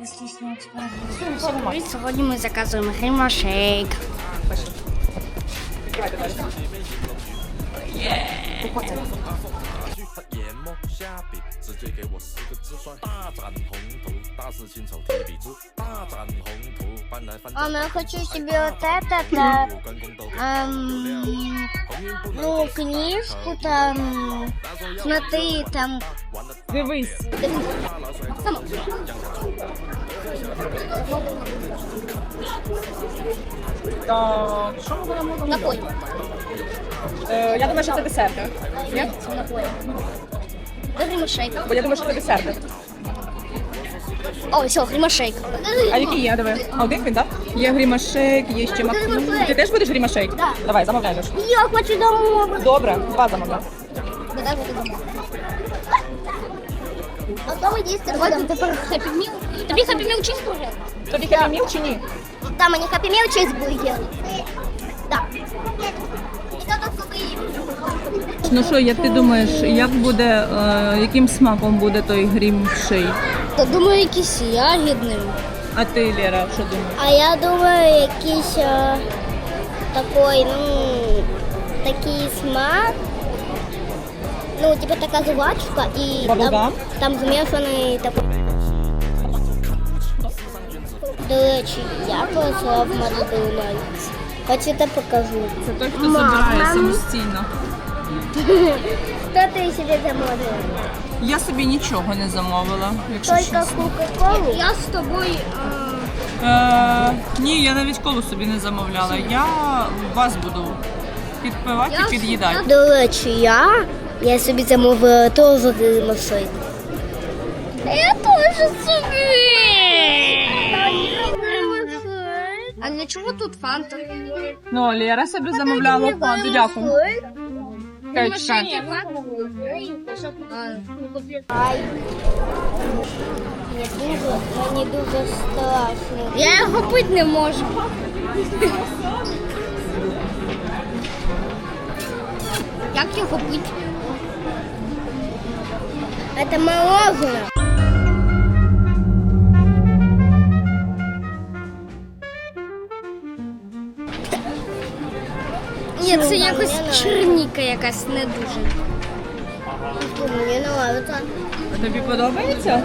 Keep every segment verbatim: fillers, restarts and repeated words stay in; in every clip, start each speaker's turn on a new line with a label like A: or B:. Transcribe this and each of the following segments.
A: Привіт, сьогодні ми заказуємо грімашейк.
B: Мама, я хочу себе вот это, да, эм, ну, книжку там, смотри, там.
C: Дивись. Так, що ми будемо робити?
B: Напой.
C: Е, я думаю, що це десерти. Ні?
B: Напой. Да, гримашейк.
C: Бо я думаю, що це десерти.
B: О, все, гримашейк.
C: А які є, диви? А один він, так? Є грімашейк, є ще максимум. Ти теж будеш грімашейк?
B: Да.
C: Давай, замовляєш.
B: Я хочу домой.
C: Добре, два замовляй.
B: Да, дай вот домой. А дома есть рядом тепер Happy Meal. Тобі Happy Meal чизбургер?
C: Тобі Happy Meal чи ні?
B: Там мені Happy Meal чизбургер. Да. І то тут купи.
D: Ну що, як ти думаєш, як буде, е, яким смаком буде той грім-шейк?
B: Та думаю, якийсь ягідний.
D: А ти, Лера, що думаєш?
B: А я думаю, якийсь а, такий, ну, такий смак. Ну, типа така жвачка і там,
C: Баблгам?
B: там змішаний такий. До речі, я пройшла в Макдональдс. Хочете покажу?
D: Це той, хто
B: Мама.
D: забирає самостійно.
B: Що ти собі замовила?
D: Я собі нічого не замовила, якщо
B: Тільки
D: чесно.
B: Кока-Колу? Я з тобою...
D: Е, ні, я навіть колу собі не замовляла. Я вас буду підпивати і під'їдати.
B: До речі, я, я собі замовила теж гримашейк. Я теж собі.
A: А для чого тут фанта?
D: Ну, Лера собі замовляла фанту, дякую.
B: Ай. Мені дуже, мені дуже страшно.
A: Я його пити не можу. Як його пити?
B: Це мороженое.
A: Ні, це
B: Ну,
A: якось
B: мені
A: черніка якась не дуже.
B: Мені не нравится.
D: Тобі подобається?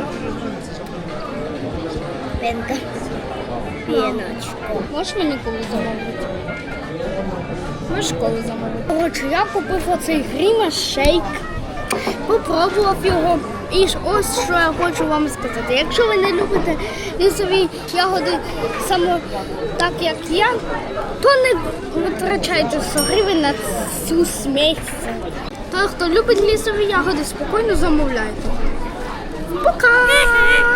B: Пенка. Пеночку.
A: Можеш мені колу замовити? Можеш колу замовити? Коротше, я купив оцей грімашейк, попробував його. І ж ось що я хочу вам сказати. Якщо ви не любите лісові ягоди саме так, як я, то не витрачайте сто гривень на цю смесь. Той, хто любить лісові ягоди, спокійно замовляйте. Пока!